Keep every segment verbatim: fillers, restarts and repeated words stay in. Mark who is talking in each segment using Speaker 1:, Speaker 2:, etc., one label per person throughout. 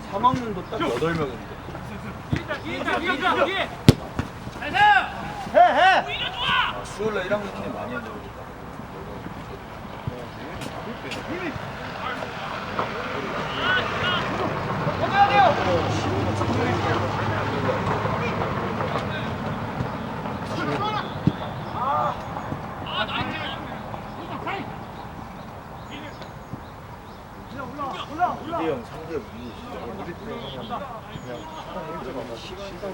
Speaker 1: 삼 학년도 딱 여덟 명인데.
Speaker 2: 해, 해!
Speaker 1: 아, 수요일날 일 학년 팀 많이 한다고 그러니까.
Speaker 2: 이대형 상대 우리 우리 팀 그냥 시간 일찍 와서 시간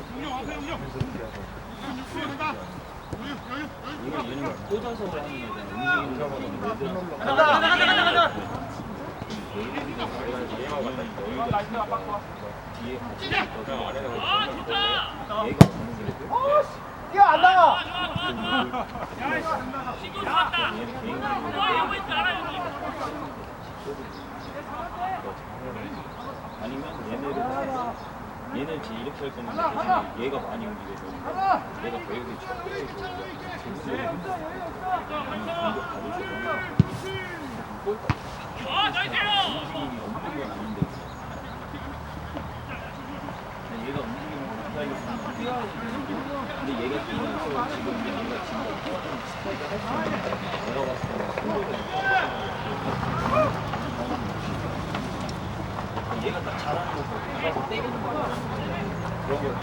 Speaker 1: 이거 얘는 꽂아서 하는 거잖아. 움직이는 거는
Speaker 2: 간다, 간다, 간다, 간다!
Speaker 1: 뒤에 같이 있거든. 아래가 얘가 없는 게
Speaker 2: 뛰어 안 나가!
Speaker 1: 아니면 얘네를 얘는 지금 이렇게 할 거면 대신 얘가 많이 움직여서 얘가 배우기 좋고 아, 나이스요! 움직임이 없는 건 아닌데 얘가 움직이면 가까이 뛰어야지. 근데 얘가 뛰면서 지금 얘가 진짜 스파이크 할 수 있는 내가 봤을 때는 손으로 얘가 딱 잘하는 거 보고 때리는 거 그런 거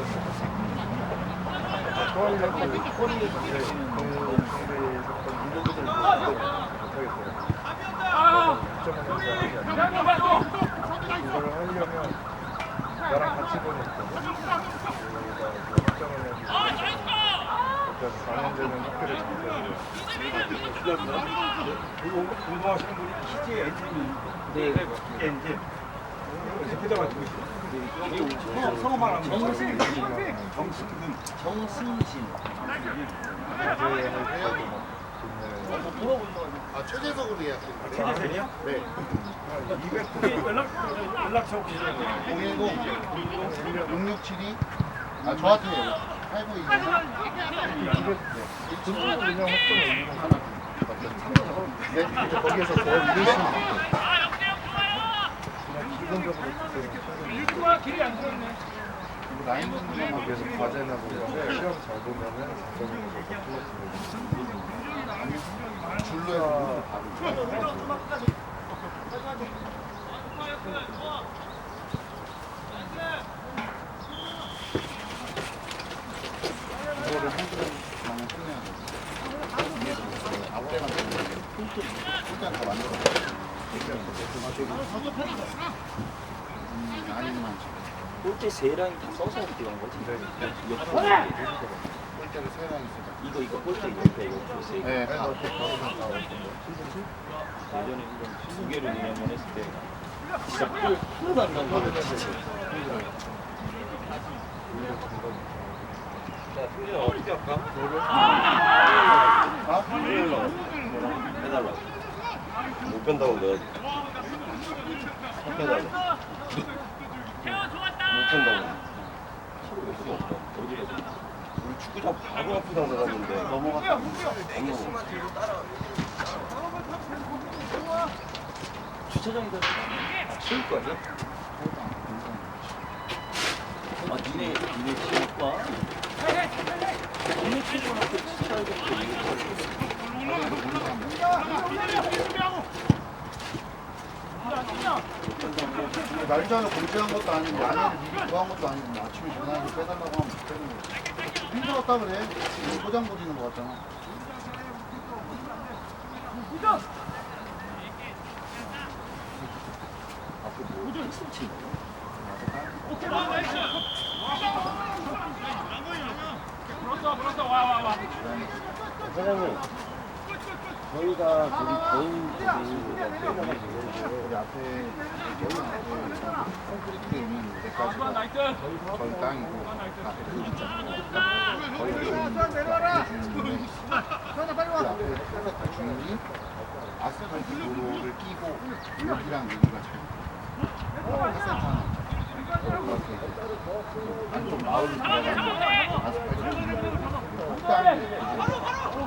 Speaker 2: 좋아하려고
Speaker 1: 꼬리에 던지는
Speaker 2: 그 운동기들 못하겠어요. 이걸 하려면 나랑 같이 보냈거든. 그래서 사 년 되면 학교를 잠겨요.
Speaker 3: 공부하시는 분이 키즈의 엔진이
Speaker 1: 네.
Speaker 3: 엔진 이렇게 가지고 있어요. 성어만 하면
Speaker 1: 정승진
Speaker 3: 정신근
Speaker 1: 정승진
Speaker 4: 아, 최재석으로 예약했어요.
Speaker 3: 최재생이요?
Speaker 4: 네.
Speaker 3: 이백 연락 연락처 보시면
Speaker 4: 공일공 육육칠이 아, 저한테 팔구이공
Speaker 2: 중국은 그냥 학점에 있는 하나
Speaker 4: 네, 이제 거기에서 더 이르시면
Speaker 2: 그냥 기본적으로
Speaker 3: 길이 안 들어있네.
Speaker 4: 라인 분들만
Speaker 2: 거기에서 과제나 보면 시험 잘 보면은 자동으로 플러스
Speaker 4: 줄로 해서 바로 이거를 한 그램 나는 끝내야 돼. 앞에가 폴트 일단 다 만들어. 음, 아니면
Speaker 1: 꼴대 세 라인 다 써서 이렇게 간 거지?
Speaker 4: 폴트를 세 명 있어.
Speaker 1: 이거 이거 꼴대 이거 이거 세 개.
Speaker 4: 네, 다.
Speaker 1: 예전에 두 개를 그냥 했을 때 진짜 꼴 하나도 안 나온 거 진짜. 자, 승진아 어떻게 할까?
Speaker 4: 아?
Speaker 1: 해달라고.
Speaker 5: 못 뺀다고 내가 해달라. 못 뺀다고.
Speaker 1: 어디로 해?
Speaker 5: 우리 축구장 바로 앞에다 나갔는데
Speaker 4: 넘어갔다.
Speaker 1: 주차장에다 아, 치울 거 아니야? 아, 니네, 니네 지옥과 니네 친구한테
Speaker 4: 날짜를 공지한 것도 아니고 안에를 미리 구한 것도 아니고 뭐 아침에 전화해서 빼달라고 하면 못 빼는 거지. 힘들었다 그래. 지금 포장 부리는 거 같잖아.
Speaker 1: 앞으로 뭐 했으면 치는 거야?
Speaker 5: 사장님 저희가 저기 개인 저기
Speaker 4: 우리 앞에 저희 앞에 콘크리트 있는 데까지가 저희 땅이고 앞에 흙 있잖아요. 거기가 주인이 주인인데 그 앞에 다 주인이 아스팔트 도로를 끼고 여기랑 여기가 잘 회센터 하나 있잖아요. 안쪽 마을이 들어가는 아스팔트 도로 땅이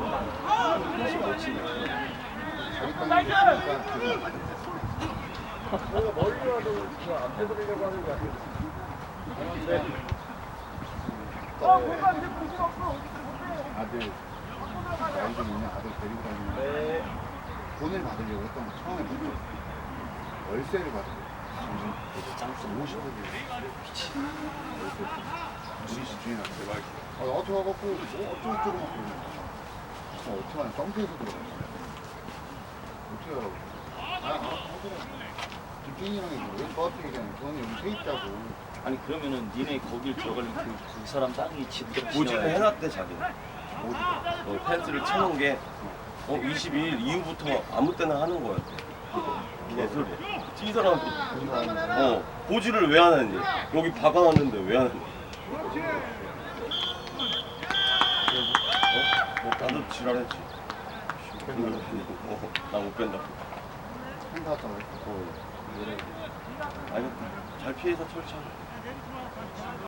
Speaker 4: 자기 땅이 있으니까 그
Speaker 2: 저희가 멀리 와도 그안 빼드리려고 하는 게 아니에요. 네.
Speaker 4: 아들 나이 좀 있는 아들 데리고 다니는
Speaker 2: 네.
Speaker 4: 돈을 받으려고 했던 거 처음에 먼저 월세를 받으려고 오십억이 미친 우리 집 주인한테 아, 어떻게 와갖고 뭐 어쩌고저쩌고 막 그러는 거야. 어, 어떻게 하냐 썸트에서 들어갔어. 어떻게 하라고 아, 아, 집주인이랑 얘기해. 왜 저한테 얘기하냐. 저는 여기 세입자고.
Speaker 1: 아니 그러면은 니네 거길 들어가려면 그, 그 사람 땅이 집으로
Speaker 5: 고지를 해놨대 자기는.
Speaker 4: 어디가?
Speaker 5: 어, 펜스를 쳐놓은 게 어, 이십이 일 이후부터 아무 때나 하는 거야. 개소리야. 이 사람 어 고지를 왜 안 했니? 여기 박아놨는데 왜 안 했니? 어? 뭐 나도 지랄했지. 어, 나 못 뺀다고.
Speaker 4: 행사 왔다고 그랬어.
Speaker 5: 어. 알겠다. 잘 피해서 철저하게.